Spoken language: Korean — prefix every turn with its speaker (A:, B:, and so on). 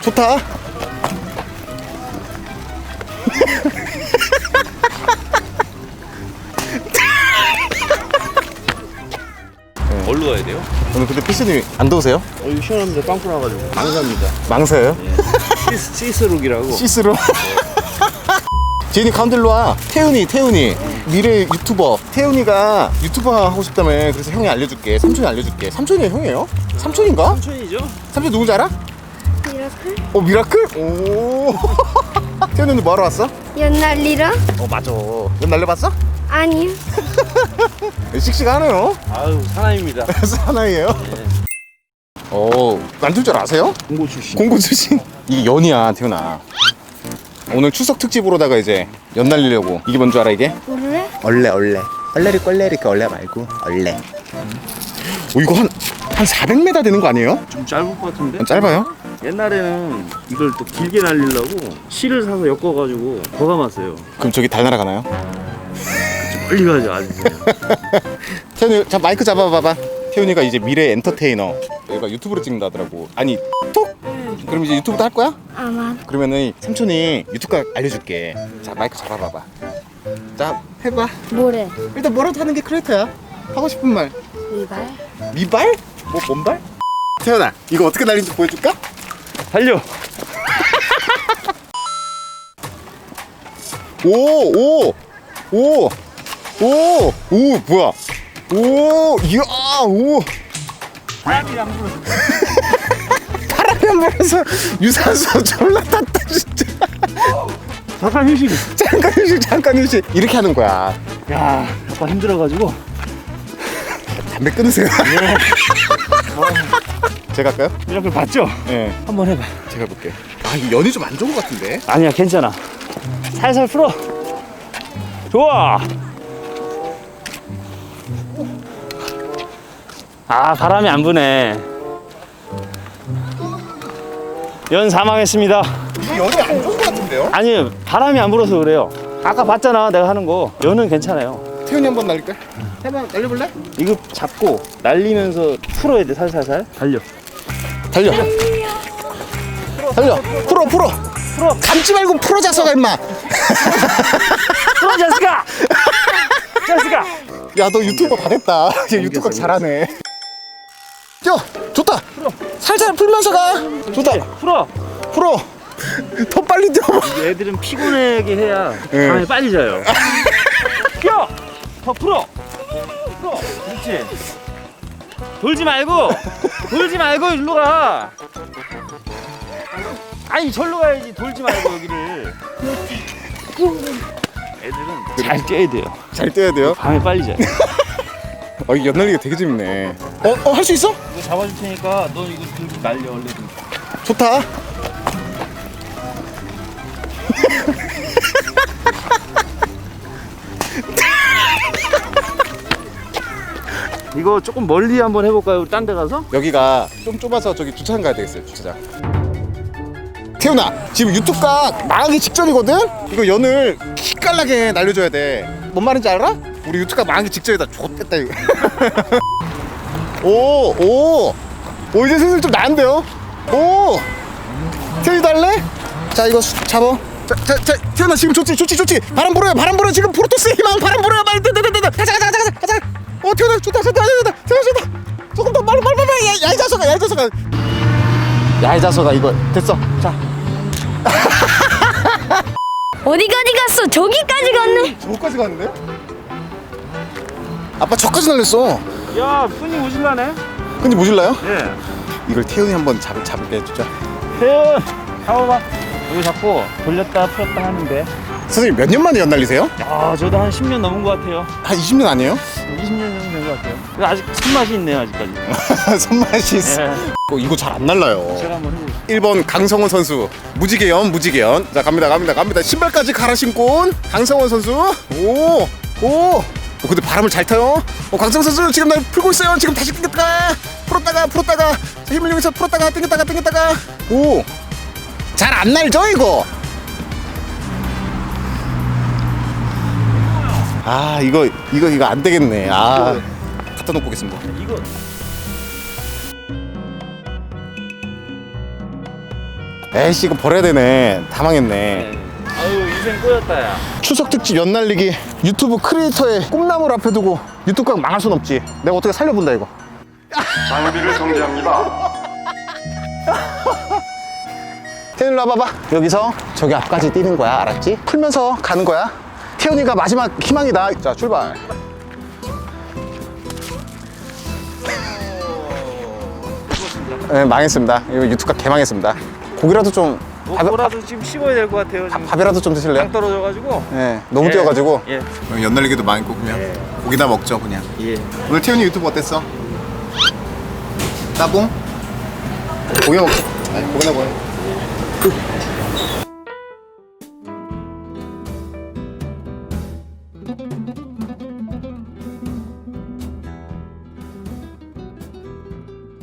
A: 좋다.
B: 어디로 가야 돼요?
A: 오늘 근데 피스님 안 더우세요?
B: 이거 시원합니다. 빵꾸 나가지고. 망사입니다.
A: 망사예요?
B: 시스룩이라고.
A: 시스루. 지은이 가운데 일로 와. 태훈이 미래 유튜버. 태훈이가 유튜버 하고 싶다며. 그래서 형이 알려줄게. 삼촌이 알려줄게. 삼촌이 형이에요? 삼촌인가?
B: 삼촌이죠?
A: 삼촌 누군지 알아?
C: 미라클?
A: 미라클? 오. 태훈이는 뭐하러 왔어?
C: 연날리라?
A: 맞아. 넌 날려봤어?
C: 아니요.
A: 씩씩하네요.
B: 아유, 사나이입니다.
A: 사나이에요? 만들 줄 아세요?
B: 공고 출신.
A: 공고 출신? 이게 연이야, 태훈아. 오늘 추석 특집으로다가 이제 연 날리려고. 이게 뭔 줄 알아, 이게?
C: 모르래?
A: 얼레. 얼레리 얼레 말고 얼레. 이거 한 400m 되는 거 아니에요?
B: 좀 짧을 것 같은데?
A: 짧아요?
B: 옛날에는 이걸 또 길게 날리려고 실을 사서 엮어가지고 더 감았어요.
A: 그럼 저기 달 날아가나요?
B: 멀리 가죠, 아주 그냥.
A: 태훈이, 자 마이크 잡아봐봐. 태훈이가 이제 미래 엔터테이너. 얘가 유튜브로 찍는다 하더라고. 아니, 톡? 그럼 이제 유튜브도 할 거야?
C: 아마.
A: 그러면은 삼촌이 유튜브 알려줄게. 자 마이크 잡아봐봐. 자 해봐.
C: 뭐래?
A: 일단 뭐라도 하는 게 크리에이터야. 하고 싶은 말.
C: 이발?
A: 미발? 뭐 뭔발? 태연아 이거 어떻게 날리는지 보여줄까?
B: 달려!
A: 오 뭐야? 오.
B: 바람이 안 불어.
A: 바람이 안 불어서 유산소 졸라 탔다 진짜.
B: 잠깐 휴식.
A: 잠깐 휴식. 이렇게 하는 거야.
B: 야, 아빠 힘들어가지고.
A: 담배 끊으세요. 제가 할까요?
B: 미라클 봤죠?
A: 네.
B: 한번 해봐.
A: 제가 볼게. 이 연이 좀 안 좋은 것 같은데.
B: 아니야, 괜찮아. 살살 풀어. 좋아. 아, 바람이 안 부네. 연 사망했습니다.
A: 이 연이 안 좋은 것 같은데요?
B: 아니, 바람이 안 불어서 그래요. 아까 봤잖아, 내가 하는 거. 연은 괜찮아요.
A: 태훈이 한번 날릴까? 해봐, 날려볼래?
B: 이거 잡고 날리면서 풀어야 돼, 살살살. 달려.
A: 달려. 풀어. 감지 말고 풀어 자서가 임마.
B: 풀어, 자스가! 자스가!
A: 야, 너 유튜버 다 됐다. 얘 유튜버 잘하네. 뛰어, 좋다. 살살 풀면서 가. 좋다.
B: 풀어.
A: 더 빨리 뛰어.
B: 애들은 피곤하게 해야
A: 네.
B: 밤에 빨리 자요. 뛰어! 더 풀어. 그렇지. 돌지 말고 일로 가. 아니, 절로 가야지. 돌지 말고 여기를. 애들은 잘 뛰어야 돼요.
A: 잘 뛰어야 돼요.
B: 밤에 빨리 자요.
A: 이 연날리기 되게 재밌네. 할 수 있어?
B: 이거 잡아줄 테니까 너 이거 들고 날려 얼른.
A: 좋다.
B: 이거 조금 멀리 한번 해볼까요? 딴 데 가서?
A: 여기가 좀 좁아서 저기 주차장 가야 되겠어요. 주차장. 태훈아, 지금 유튜브가 망하기 직전이거든? 이거 연을 기깔나게 날려줘야 돼. 뭔 말인지 알아? 우리 유튜브가 망하기 직전이다. 좋겠다 이거. 오, 이제 슬슬 좀 나은데요? 오, 태훈이도 할래? 자, 이거 잡아. 자, 태훈아 지금 좋지. 바람 불어요. 지금 프로토스의 희망 바람 불어요. 빨리, 가자. 태훈아 좋다. 조금 더 빨리. 야, 이 자석아 이거 됐어. 자.
C: 어디까지 갔어? 저기까지 갔네.
A: 저까지 갔는데? 아빠 저까지 날렸어.
B: 야, 손이 오실라네?
A: 근데 모질라요?
B: 예.
A: 이걸 태훈이 한번 잡을게 해주자.
B: 태연! 잡아봐. 여기 잡고 돌렸다 풀었다 하는데.
A: 선생님 몇 년 만에 연 날리세요?
B: 야, 저도 한 10년 넘은 것 같아요.
A: 한 20년 아니에요?
B: 20년 정도 된 것 같아요. 근데 아직 손맛이 있네요, 아직까지.
A: 손맛이 있어.
B: 예.
A: 이거 잘 안 날라요.
B: 제가 한번 해볼게요.
A: 1번 강성원 선수 무지개연. 자 갑니다. 신발까지 갈아 신고 온 강성원 선수. 오. 근데 바람을 잘 타요. 강성원 선수 지금 날 풀고 있어요. 지금 다시 풀었다가 자, 힘을 이용해서 풀었다가 당겼다가. 오. 잘 안 날죠 이거? 이거 안 되겠네. 갖다 놓고 오겠습니다.
B: 이거
A: 에이씨 이거 버려야 되네. 다 망했네.
B: 네. 아유 인생 꼬였다 야.
A: 추석 특집 연날리기 유튜브 크리에이터의 꿈나무를 앞에 두고 유튜브가 망할 순 없지. 내가 어떻게 살려본다 이거.
D: 장비를 정지합니다.
A: 태연이 일로 와봐봐. 여기서 저기 앞까지 뛰는 거야. 알았지? 풀면서 가는 거야. 태연이가 마지막 희망이다. 자 출발. 네, 망했습니다. 이거 유튜브가 개망했습니다. 고기라도 좀
B: 뭐라도 지금 씹어야 될 것 같아요. 지금
A: 밥이라도 좀 드실래요?
B: 당 떨어져가지고.
A: 네, 너무
B: 예.
A: 뛰어가지고.
B: 예.
A: 연날리기도 망했고 그냥 고기나 먹죠 그냥.
B: 예.
A: 오늘 태연이 유튜브 어땠어? 따봉? 고기 먹자. 아니 고기나 먹어.